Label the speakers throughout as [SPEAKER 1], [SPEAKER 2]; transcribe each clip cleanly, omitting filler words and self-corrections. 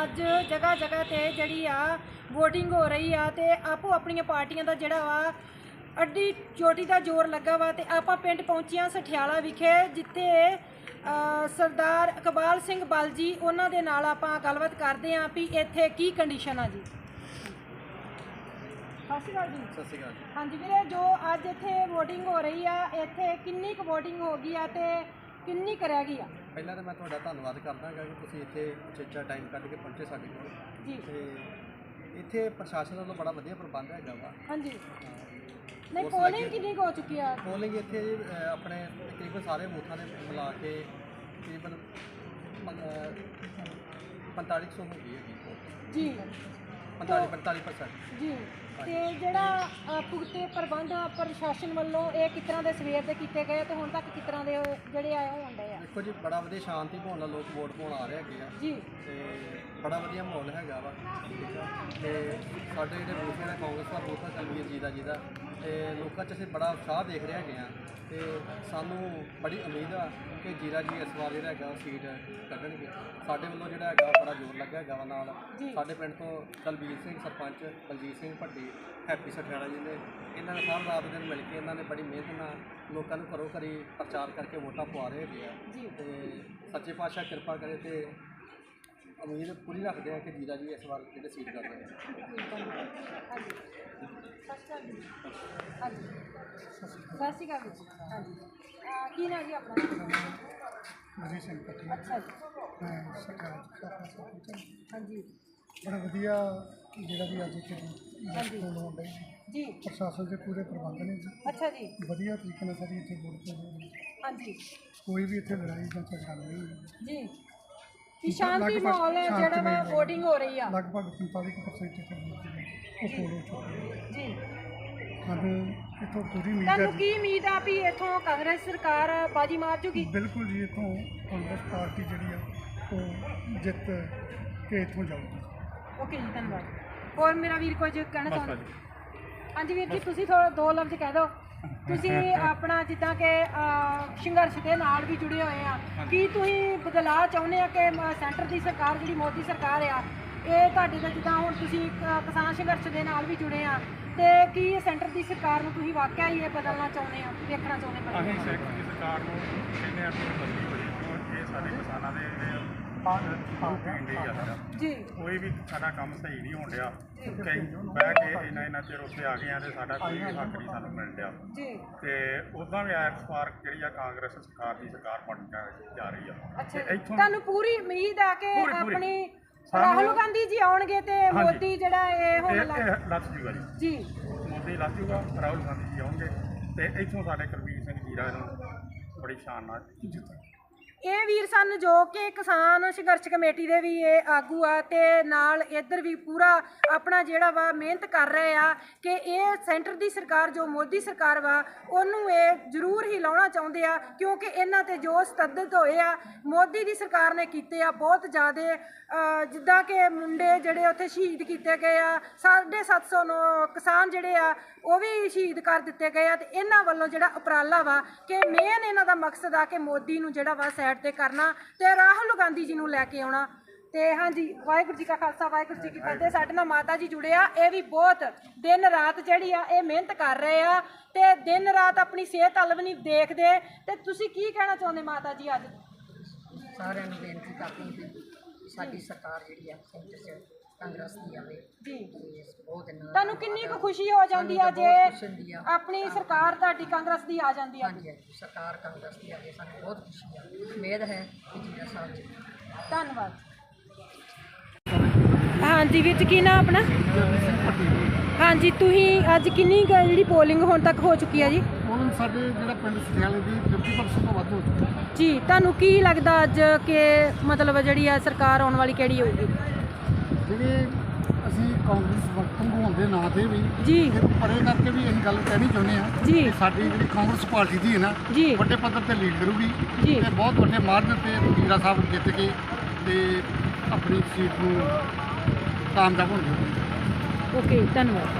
[SPEAKER 1] ਅੱਜ ਜਗ੍ਹਾ ਜਗ੍ਹਾ ਤੇ ਜਿਹੜੀ ਆ ਵੋਟਿੰਗ ਹੋ ਰਹੀ ਆ ਤੇ ਆਪੋ ਆਪਣੀਆਂ ਪਾਰਟੀਆਂ ਦਾ ਜਿਹੜਾ ਵਾ ਅੱਡੀ ਚੋਟੀ ਦਾ ਜ਼ੋਰ ਲੱਗਾ ਵਾ ਤੇ ਆਪਾਂ ਪਿੰਡ ਪਹੁੰਚੀਆਂ ਸਠਿਆਲਾ ਵਿਖੇ ਜਿੱਥੇ ਸਰਦਾਰ ਇਕਬਾਲ ਸਿੰਘ ਬਲ ਜੀ ਉਹਨਾਂ ਦੇ ਨਾਲ ਆਪਾਂ ਗੱਲਬਾਤ ਕਰਦੇ ਆਂ ਵੀ ਇੱਥੇ ਕੀ ਕੰਡੀਸ਼ਨ ਆ ਜੀ। ਸਤਿ ਸ਼੍ਰੀ ਅਕਾਲ ਜੀ।
[SPEAKER 2] ਸਤਿ ਸ਼੍ਰੀ ਅਕਾਲ ਜੀ।
[SPEAKER 1] ਹਾਂਜੀ ਵੀਰੇ, ਜੋ ਅੱਜ ਇੱਥੇ ਵੋਟਿੰਗ ਹੋ ਰਹੀ ਆ ਇੱਥੇ ਕਿੰਨੀ ਕੁ ਵੋਟਿੰਗ ਹੋ ਗਈ ਆ ਤੇ ਕਿੰਨੀ ਕੁ ਰਹਿ ਗਈ ਆ?
[SPEAKER 2] ਪਹਿਲਾਂ ਤਾਂ ਮੈਂ ਤੁਹਾਡਾ ਧੰਨਵਾਦ ਕਰਦਾ ਹਾਂ ਕਿ ਤੁਸੀਂ ਇੱਥੇ ਉਚੇਚਾ ਟਾਈਮ ਕੱਢ ਕੇ ਪਹੁੰਚੇ ਸਾਡੇ ਕੋਲ
[SPEAKER 1] ਜੀ।
[SPEAKER 2] ਤੇ ਇੱਥੇ ਪ੍ਰਸ਼ਾਸਨ ਵੱਲੋਂ ਬੜਾ ਵਧੀਆ ਪ੍ਰਬੰਧ ਹੈਗਾ ਵਾ।
[SPEAKER 1] ਹਾਂਜੀ, ਨਹੀਂ ਪੋਲਿੰਗ ਕਿੰਨੀ ਕੁ ਹੋ ਚੁੱਕੀ ਆ?
[SPEAKER 2] ਪੋਲਿੰਗ ਇੱਥੇ ਆਪਣੇ ਤਕਰੀਬਨ ਸਾਰੇ ਬੂਥਾਂ ਦੇ ਮਿਲਾ ਕੇ ਤਕਰੀਬਨ 4500 ਹੋ ਗਈ ਹੈਗੀ
[SPEAKER 1] ਜੀ।
[SPEAKER 2] 45%
[SPEAKER 1] ਜੀ। ਤੇ ਜਿਹੜਾ ਪੁਖਤੇ ਪ੍ਰਬੰਧ ਪ੍ਰਸ਼ਾਸਨ ਵੱਲੋਂ ਇਹ ਕਿਸ ਤਰ੍ਹਾਂ ਦੇ ਸਵੇਰ ਦੇ ਕੀਤੇ ਗਏ ਤੇ ਹੁਣ ਤੱਕ ਕਿਸ ਤਰ੍ਹਾਂ ਦੇ ਜਿਹੜੇ ਆਏ ਹੋਣ ਡਏ ਆ?
[SPEAKER 2] ਦੇਖੋ ਜੀ, ਬੜਾ ਵਧੀਆ ਸ਼ਾਂਤੀ ਮਾਹੌਲ ਨਾਲ ਲੋਕ ਵੋਟ ਪਾਉਣ ਆ ਰਹੇ ਹੈਗੇ ਆ
[SPEAKER 1] ਜੀ।
[SPEAKER 2] ਤੇ ਬੜਾ ਵਧੀਆ ਮਾਹੌਲ ਹੈਗਾ ਵਾ, ਠੀਕ ਆ। ਤੇ ਸਾਡੇ ਜਿਹੜੇ ਬੂਥ ਨੇ ਕਾਂਗਰਸ ਦਾ ਬੂਥ ਆ ਕਲਵੀਰ ਜੀ ਦਾ ਤੇ ਲੋਕਾਂ 'ਚ ਅਸੀਂ ਬੜਾ ਉਤਸ਼ਾਹ ਦੇਖ ਰਹੇ ਹੈਗੇ ਆ ਤੇ ਸਾਨੂੰ ਬੜੀ ਉਮੀਦ ਆ ਕਿ ਜੀਰਾ ਜੀ ਇਸ ਵਾਰ ਜਿਹੜਾ ਹੈਗਾ ਸੀਟ ਕੱਢਣਗੇ। ਸਾਡੇ ਵੱਲੋਂ ਜਿਹੜਾ ਹੈਗਾ ਬੜਾ ਜ਼ੋਰ ਲੱਗਾ ਹੈਗਾ ਵਾ। ਨਾਲ ਸਾਡੇ ਪਿੰਡ ਤੋਂ ਦਲਬੀਰ ਸਿੰਘ ਸਰਪੰਚ, ਬਲਜੀਤ ਸਿੰਘ ਭੱਟੀ, ਹੈਪੀ ਸਠਿਆਲਾ ਜੀ ਨੇ, ਇਹਨਾਂ ਨੇ ਸਾਰਾ ਰਾਤ ਦਿਨ ਮਿਲ ਕੇ ਇਹਨਾਂ ਨੇ ਬੜੀ ਮਿਹਨਤ ਨਾਲ ਲੋਕਾਂ ਨੂੰ ਘਰੋਂ ਘਰੀ ਪ੍ਰਚਾਰ ਕਰਕੇ ਵੋਟਾਂ ਪਵਾ ਰਹੇ ਹੈਗੇ ਆ ਤੇ ਸੱਚੇ ਪਾਤਸ਼ਾਹ ਕਿਰਪਾ ਕਰੇ ਤੇ ਉਮੀਦ ਪੂਰੀ ਰੱਖਦੇ ਆ ਕਿ ਜੀਰਾ ਜੀ ਇਸ ਵਾਰ ਜਿਹੜੇ ਸੀਟ ਕਰਦੇ ਆ।
[SPEAKER 1] ਸਤਿ ਸ਼੍ਰੀ ਅਕਾਲ ਜੀ। ਹਾਂਜੀ, ਕੀ ਨਾਮ ਜੀ ਆਪਣਾ?
[SPEAKER 3] ਮਜੀਦ ਸਿੰਘ ਪੱਟੀ।
[SPEAKER 1] ਅੱਛਾ ਜੀ।
[SPEAKER 3] ਮੈਂ ਸਰਕਾਰ
[SPEAKER 1] ਹਾਂਜੀ।
[SPEAKER 3] ਬੜਾ ਵਧੀਆ ਜਿਹੜਾ ਵੀ ਅੱਜ ਇੱਥੇ ਵੋਟ ਹੋਣ ਡਈ
[SPEAKER 1] ਜੀ।
[SPEAKER 3] ਪ੍ਰਸ਼ਾਸਨ ਦੇ ਪੂਰੇ ਪ੍ਰਬੰਧ ਨੇ ਜੀ।
[SPEAKER 1] ਅੱਛਾ ਜੀ।
[SPEAKER 3] ਵਧੀਆ ਤਰੀਕੇ ਨਾਲ ਸਾਡੀ ਇੱਥੇ ਵੋਟ ਹੋ ਰਹੀ ਹੈ।
[SPEAKER 1] ਹਾਂਜੀ।
[SPEAKER 3] ਕੋਈ ਵੀ ਇੱਥੇ ਲੜਾਈ ਜਾਂ ਝਗੜਾ ਨਹੀਂ ਹੋਈ
[SPEAKER 1] ਜੀ। ਕਿ ਸ਼ਾਂਤੀ ਮਾਹੌਲ ਹੈ ਜਿਹੜਾ ਵਾ ਵੋਟਿੰਗ ਹੋ ਰਹੀ ਆ।
[SPEAKER 3] ਲਗਭਗ 45% ਇੱਥੇ ਵੋਟ ਉਹ ਪੋਲ ਹੋ ਚੁੱਕੀ ਹੈ
[SPEAKER 1] ਜੀ।
[SPEAKER 3] ਸਾਨੂੰ ਇੱਥੋਂ ਪੂਰੀ ਉਮੀਦ ਹੈ।
[SPEAKER 1] ਤੁਹਾਨੂੰ ਕੀ ਉਮੀਦ ਆ ਵੀ ਇੱਥੋਂ ਕਾਂਗਰਸ ਸਰਕਾਰ ਬਾਜੀ ਮਾਰ ਜੂਗੀ?
[SPEAKER 3] ਬਿਲਕੁਲ ਜੀ, ਇੱਥੋਂ ਕਾਂਗਰਸ ਪਾਰਟੀ ਜਿਹੜੀ ਆ ਉਹ ਜਿੱਤ ਕੇ ਇੱਥੋਂ ਜਾਊਗੀ।
[SPEAKER 1] ਓਕੇ ਜੀ, ਧੰਨਵਾਦ। ਹੋਰ ਮੇਰਾ ਵੀਰ ਕੁਝ ਕਹਿਣਾ ਚਾਹੁੰਦਾ? ਹਾਂਜੀ ਵੀਰ ਜੀ, ਤੁਸੀਂ ਥੋੜਾ ਦੋ ਲਫ਼ਜ਼ ਕਹਿ ਦਿਓ। ਤੁਸੀਂ ਆਪਣਾ ਜਿੱਦਾਂ ਕਿ ਸੰਘਰਸ਼ ਦੇ ਨਾਲ ਵੀ ਜੁੜੇ ਹੋਏ ਆ, ਕੀ ਤੁਸੀਂ ਬਦਲਾਅ ਚਾਹੁੰਦੇ ਆ ਕਿ ਸੈਂਟਰ ਦੀ ਸਰਕਾਰ ਜਿਹੜੀ ਮੋਦੀ ਸਰਕਾਰ ਆ ਇਹ ਤੁਹਾਡੇ ਦਾ ਜਿੱਦਾਂ ਹੁਣ ਤੁਸੀਂ ਕਿਸਾਨ ਸੰਘਰਸ਼ ਦੇ ਨਾਲ ਵੀ ਜੁੜੇ ਆ ਤੇ ਕੀ ਸੈਂਟਰ ਦੀ ਸਰਕਾਰ ਨੂੰ ਤੁਸੀਂ ਵਾਕਿਆ ਹੀ ਇਹ ਬਦਲਣਾ ਚਾਹੁੰਦੇ ਆ, ਦੇਖਣਾ ਚਾਹੁੰਦੇ?
[SPEAKER 4] ਅਸੀਂ ਸੈਂਟਰ ਦੀ ਸਰਕਾਰ ਨੂੰ ਕਹਿੰਦੇ ਆ ਕਿ ਬਦਲੀ ਹੋਈ ਕਿਉਂ ਇਹ ਸਾਡੇ ਕਿਸਾਨਾਂ ਦੇ ਪੀਣ ਦੀ ਆ
[SPEAKER 1] ਜੀ। ਕੋਈ
[SPEAKER 4] ਵੀ ਸਾਡਾ ਕੰਮ ਸਹੀ ਨਹੀਂ ਹੋਣ ਡਿਆ। ਕਈ ਬਹਿ ਕੇ ਇੰਨਾ ਚਿਰ ਉੱਥੇ ਆ ਗਏ ਆ ਤੇ ਸਾਡਾ ਕੋਈ ਹੱਕ ਨਹੀਂ ਸਾਨੂੰ ਮਿਲ ਰਿਹਾ
[SPEAKER 1] ਜੀ।
[SPEAKER 4] ਤੇ ਉੱਦਾਂ ਵੀ ਇਸ ਵਾਰ ਜਿਹੜੀ ਆ ਕਾਂਗਰਸ ਸਰਕਾਰ ਦੀ ਸਰਕਾਰ ਬਣ ਜਾ ਰਹੀ ਆ।
[SPEAKER 1] ਅੱਛਾ, ਤੁਹਾਨੂੰ ਪੂਰੀ ਉਮੀਦ ਆ ਕਿ ਆਪਣੀ ਰਾਹੁਲ ਗਾਂਧੀ ਜੀ ਆਉਣਗੇ ਤੇ ਮੋਦੀ ਜਿਹੜਾ ਇਹ ਹੁਣ
[SPEAKER 4] ਲੱਥ ਜੂਗਾ ਜੀ। ਮੋਦੀ ਲੱਥ ਜੂਗਾ, ਰਾਹੁਲ ਗਾਂਧੀ ਜੀ ਆਉਣਗੇ ਤੇ ਇੱਥੋਂ ਸਾਡੇ ਕੁਲਬੀਰ ਸਿੰਘ ਜੀਰਾ ਨੂੰ ਬੜੀ ਸ਼ਾਨ ਨਾਲ ਜਿੱਤਾਂਗੇ।
[SPEAKER 1] ਇਹ ਵੀਰ ਸਨ ਜੋ ਕਿ ਕਿਸਾਨ ਸੰਘਰਸ਼ ਕਮੇਟੀ ਦੇ ਵੀ ਇਹ ਆਗੂ ਆ ਤੇ ਨਾਲ ਇੱਧਰ ਵੀ ਪੂਰਾ ਆਪਣਾ ਜਿਹੜਾ ਵਾ ਮਿਹਨਤ ਕਰ ਰਹੇ ਆ ਕਿ ਇਹ ਸੈਂਟਰ ਦੀ ਸਰਕਾਰ ਜੋ ਮੋਦੀ ਸਰਕਾਰ ਵਾ ਉਹਨੂੰ ਇਹ ਜ਼ਰੂਰ ਹੀ ਲਾਉਣਾ ਚਾਹੁੰਦੇ ਆ ਕਿਉਂਕਿ ਇਹਨਾਂ ਤੇ ਜੋ ਸਤੱਦਤ ਹੋਏ ਆ ਮੋਦੀ ਦੀ ਸਰਕਾਰ ਨੇ ਕੀਤੇ ਆ ਬਹੁਤ ਜ਼ਿਆਦਾ। ਜਿੱਦਾਂ ਕਿ ਮੁੰਡੇ ਜਿਹੜੇ ਉੱਥੇ ਸ਼ਹੀਦ ਕੀਤੇ ਗਏ ਆ, 750 ਕਿਸਾਨ ਜਿਹੜੇ ਆ ਉਹ ਵੀ ਸ਼ਹੀਦ ਕਰ ਦਿੱਤੇ ਗਏ ਆ ਤੇ ਇਹਨਾਂ ਵੱਲੋਂ ਜਿਹੜਾ ਉਪਰਾਲਾ ਵਾ ਕਿ ਮੇਨ ਇਹਨਾਂ ਦਾ ਮਕਸਦ ਆ ਕਿ ਮੋਦੀ ਨੂੰ ਜਿਹੜਾ ਵਾ ਸਾਈਡ ਤੇ ਕਰਨਾ ਤੇ ਰਾਹੁਲ ਗਾਂਧੀ ਜੀ ਨੂੰ ਲੈ ਕੇ ਆਉਣਾ। ਤੇ ਹਾਂਜੀ, ਵਾਹਿਗੁਰੂ ਜੀ ਕਾ ਖਾਲਸਾ ਵਾਹਿਗੁਰੂ ਜੀ ਕੀ ਫਤਿਹ। ਸਾਡੇ ਨਾਲ ਮਾਤਾ ਜੀ ਜੁੜੇ ਆ, ਇਹ ਵੀ ਬਹੁਤ ਦਿਨ ਰਾਤ ਜਿਹੜੀ ਆ ਇਹ ਮਿਹਨਤ ਕਰ ਰਹੇ ਆ ਤੇ ਦਿਨ ਰਾਤ ਆਪਣੀ ਸਿਹਤ ਵੱਲ ਵੀ ਨਹੀਂ ਦੇਖਦੇ। ਤੇ ਤੁਸੀਂ ਕੀ ਕਹਿਣਾ ਚਾਹੁੰਦੇ ਮਾਤਾ ਜੀ? ਅੱਜ
[SPEAKER 5] ਸਾਰਿਆਂ ਨੂੰ ਬੇਨਤੀ ਕਰਦੀ ਹਾਂ ਸਾਡੀ ਸਰਕਾਰ ਜਿਹੜੀ ਆ ਸੈਂਟਰ 'ਚ ਕਾਂਗਰਸ ਦੀ ਆਵੇ
[SPEAKER 1] ਜੀ।
[SPEAKER 5] ਬਹੁਤ
[SPEAKER 1] ਤੁਹਾਨੂੰ ਕਿੰਨੀ ਕੁ ਖੁਸ਼ੀ ਹੋ ਜਾਂਦੀ ਆ ਜੇ ਆਪਣੀ ਸਰਕਾਰ ਤੁਹਾਡੀ ਕਾਂਗਰਸ ਦੀ ਆ ਜਾਂਦੀ ਆ?
[SPEAKER 5] ਹਾਂਜੀ, ਸਰਕਾਰ ਕਾਂਗਰਸ ਦੀ ਆਵੇ ਸਾਨੂੰ ਬਹੁਤ ਖੁਸ਼ੀ ਆ। ਉਮੀਦ ਹੈ ਕਿ ਜੀਰਾ ਸਾਹਿਬ ਜੀ।
[SPEAKER 1] ਧੰਨਵਾਦ। ਹਾਂਜੀ ਵੀਰ ਜੀ, ਕੀ ਨਾਮ ਆਪਣਾ? ਹਾਂਜੀ, ਤੁਸੀਂ ਅੱਜ ਕਿੰਨੀ ਜਿਹੜੀ ਪੋਲਿੰਗ ਹੁਣ ਤੱਕ ਹੋ ਚੁੱਕੀ ਹੈ ਜੀ?
[SPEAKER 3] ਹੁਣ ਸਾਡੇ ਜਿਹੜਾ ਪਿੰਡ ਸਠਿਆਲੇ ਦੀ 50% ਤੋਂ ਵੱਧ ਹੋ ਚੁੱਕੀ ਹੈ
[SPEAKER 1] ਜੀ। ਤੁਹਾਨੂੰ ਕੀ ਲੱਗਦਾ ਅੱਜ ਕਿ ਮਤਲਬ ਜਿਹੜੀ ਆ ਸਰਕਾਰ ਆਉਣ ਵਾਲੀ ਕਿਹੜੀ ਹੋਊਗੀ?
[SPEAKER 3] ਜਿਹੜੇ ਅਸੀਂ ਕਾਂਗਰਸ ਵਕਤ ਹੋਣ ਦੇ ਨਾਂ ਤੇ ਵੀ
[SPEAKER 1] ਜੀ
[SPEAKER 3] ਪਰੇ ਕਰਕੇ ਵੀ ਅਸੀਂ ਗੱਲ ਕਹਿਣੀ ਚਾਹੁੰਦੇ ਹਾਂ
[SPEAKER 1] ਜੀ।
[SPEAKER 3] ਕਿ ਸਾਡੀ ਜਿਹੜੀ ਕਾਂਗਰਸ ਪਾਰਟੀ ਦੀ ਹੈ ਨਾ
[SPEAKER 1] ਜੀ
[SPEAKER 3] ਵੱਡੇ ਪੱਧਰ ਤੇ ਲੀਡ ਕਰੂਗੀ
[SPEAKER 1] ਜੀ
[SPEAKER 3] ਤੇ ਬਹੁਤ ਵੱਡੇ ਮਾਰਜਨ ਤੇ ਜੀਰਾ ਸਾਹਿਬ ਜਿੱਤ ਕੇ ਤੇ ਆਪਣੀ ਸੀਟ ਨੂੰ ਕਾਮਯਾਬ ਹੋਣਗੇ।
[SPEAKER 1] ਓਕੇ, ਧੰਨਵਾਦ।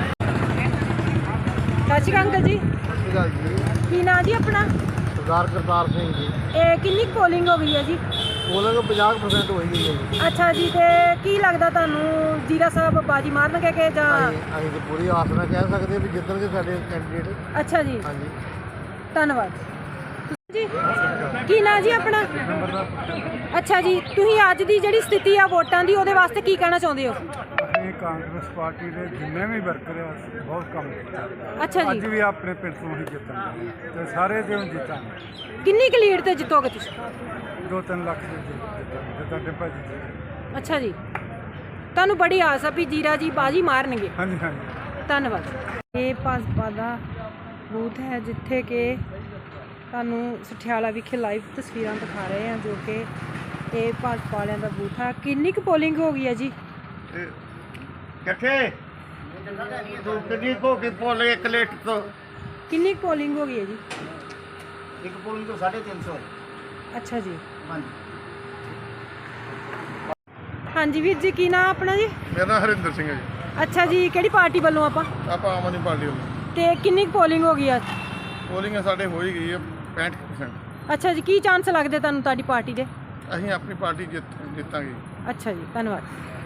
[SPEAKER 1] ਸਤਿ ਸ਼੍ਰੀ ਅਕਾਲ ਅੰਕਲ ਜੀ।
[SPEAKER 3] ਸਤਿ ਸ਼੍ਰੀ ਅਕਾਲ ਜੀ।
[SPEAKER 1] ਕੀ ਨਾਂ ਜੀ ਆਪਣਾ?
[SPEAKER 3] ਸਰਦਾਰ ਕਰਤਾਰ ਸਿੰਘ ਜੀ।
[SPEAKER 1] ਇਹ ਕਿੰਨੀ ਪੋਲਿੰਗ ਹੋ ਗਈ ਹੈ ਜੀ?
[SPEAKER 3] ਪੋਲਿੰਗ 50% ਹੋਈ ਗਈ ਹੈ ਜੀ।
[SPEAKER 1] ਅੱਛਾ ਜੀ, ਤੇ ਕੀ ਲੱਗਦਾ ਤੁਹਾਨੂੰ ਜੀਰਾ ਸਾਹਿਬ ਬਾਜੀ ਮਾਰਨਗੇ ਕਿ ਜਾਂ
[SPEAKER 3] ਅਸੀਂ ਤਾਂ ਪੂਰੀ ਆਸ ਨਾਲ ਕਹਿ ਸਕਦੇ ਵੀ ਜਿੱਤਣਗੇ ਸਾਡੇ ਕੈਂਡੀਡੇਟ।
[SPEAKER 1] ਅੱਛਾ ਜੀ,
[SPEAKER 3] ਹਾਂਜੀ।
[SPEAKER 1] ਧੰਨਵਾਦ ਜੀ। ਕੀ ਨਾਂ ਜੀ ਆਪਣਾ? ਅੱਛਾ ਜੀ, ਤੁਸੀਂ ਅੱਜ ਦੀ ਜਿਹੜੀ ਸਥਿਤੀ ਆ ਵੋਟਾਂ ਦੀ ਉਹਦੇ ਵਾਸਤੇ ਕੀ ਕਹਿਣਾ ਚਾਹੁੰਦੇ ਹੋ?
[SPEAKER 6] ਅਸੀਂ ਕਾਂਗਰਸ ਪਾਰਟੀ ਦੇ ਜਿੰਨੇ ਵੀ ਵਰਕਰ ਆ ਬਹੁਤ ਕੰਮ ਕੀਤਾ।
[SPEAKER 1] ਅੱਛਾ
[SPEAKER 6] ਅੱਜ
[SPEAKER 1] ਜੀ,
[SPEAKER 6] ਵੀ ਆਪਣੇ ਪਿੰਡ ਤੋਂ ਹੀ ਜਿੱਤਾਂਗੇ ਤੇ ਸਾਰੇ ਦੇ ਹੁਣ ਜਿੱਤਾਂਗੇ।
[SPEAKER 1] ਕਿੰਨੀ ਕੁ ਲੀਡ ਤੇ ਜਿੱਤੋਗੇ ਤੁਸੀਂ?
[SPEAKER 6] 2-3 ਲੱਖ ਦੇ ਜਿੱਤਾਂਗੇ ਤੇ ਤੁਹਾਡੇ ਭਾਜੀ ਜੀ।
[SPEAKER 1] ਅੱਛਾ ਜੀ, ਤੁਹਾਨੂੰ ਬੜੀ ਆਸ ਆ ਵੀ ਜੀਰਾ ਜੀ ਬਾਜੀ ਮਾਰਨਗੇ।
[SPEAKER 6] ਹਾਂਜੀ ਹਾਂਜੀ।
[SPEAKER 1] ਧੰਨਵਾਦ। ਇਹ ਭਾਜਪਾ ਦਾ ਬੂਥ ਹੈ ਜਿੱਥੇ ਕਿ ਤੁਹਾਨੂੰ ਸਠਿਆਲਾ ਵਿਖੇ ਲਾਈਵ ਤਸਵੀਰਾਂ ਦਿਖਾ ਰਹੇ ਹਾਂ, ਜੋ ਕਿ ਇਹ ਭਾਜਪਾ ਵਾਲਿਆਂ ਦਾ ਬੂਥ ਆ। ਕਿੰਨੀ ਕੁ ਪੋਲਿੰਗ ਹੋ ਗਈ ਹੈ ਜੀ?
[SPEAKER 3] ਕਿੱਥੇ ਤੂੰ ਕਿੰਨੀ ਕੋ ਕਿ ਪੋਲ 1 ਲੀਟਰ ਤੋਂ
[SPEAKER 1] ਕਿੰਨੀ ਕੁ ਪੋਲਿੰਗ ਹੋ ਗਈ ਹੈ ਜੀ?
[SPEAKER 3] ਇੱਕ ਪੋਲਿੰਗ ਤੋਂ 350।
[SPEAKER 1] ਅੱਛਾ ਜੀ,
[SPEAKER 3] ਹਾਂਜੀ।
[SPEAKER 1] ਹਾਂਜੀ ਵੀਰ ਜੀ, ਕੀ ਨਾਮ ਆਪਣਾ ਜੀ?
[SPEAKER 7] ਮੇਰਾ ਨਾਮ ਹਰਿੰਦਰ ਸਿੰਘ ਹੈ ਜੀ।
[SPEAKER 1] ਅੱਛਾ ਜੀ, ਕਿਹੜੀ ਪਾਰਟੀ ਵੱਲੋਂ ਆਪਾਂ?
[SPEAKER 7] ਆਪਾਂ ਆਮ ਆਦਮੀ ਪਾਰਟੀ ਵੱਲੋਂ।
[SPEAKER 1] ਤੇ ਕਿੰਨੀ ਕੁ ਪੋਲਿੰਗ ਹੋ ਗਈ ਆ?
[SPEAKER 7] ਪੋਲਿੰਗ ਸਾਡੇ ਹੋ ਹੀ ਗਈ ਹੈ 65%।
[SPEAKER 1] ਅੱਛਾ ਜੀ, ਕੀ ਚਾਂਸ ਲੱਗਦੇ ਤੁਹਾਨੂੰ ਤੁਹਾਡੀ ਪਾਰਟੀ ਦੇ?
[SPEAKER 7] ਅਸੀਂ ਆਪਣੀ ਪਾਰਟੀ ਜਿੱਤਾਂਗੇ।
[SPEAKER 1] ਅੱਛਾ ਜੀ, ਧੰਨਵਾਦ।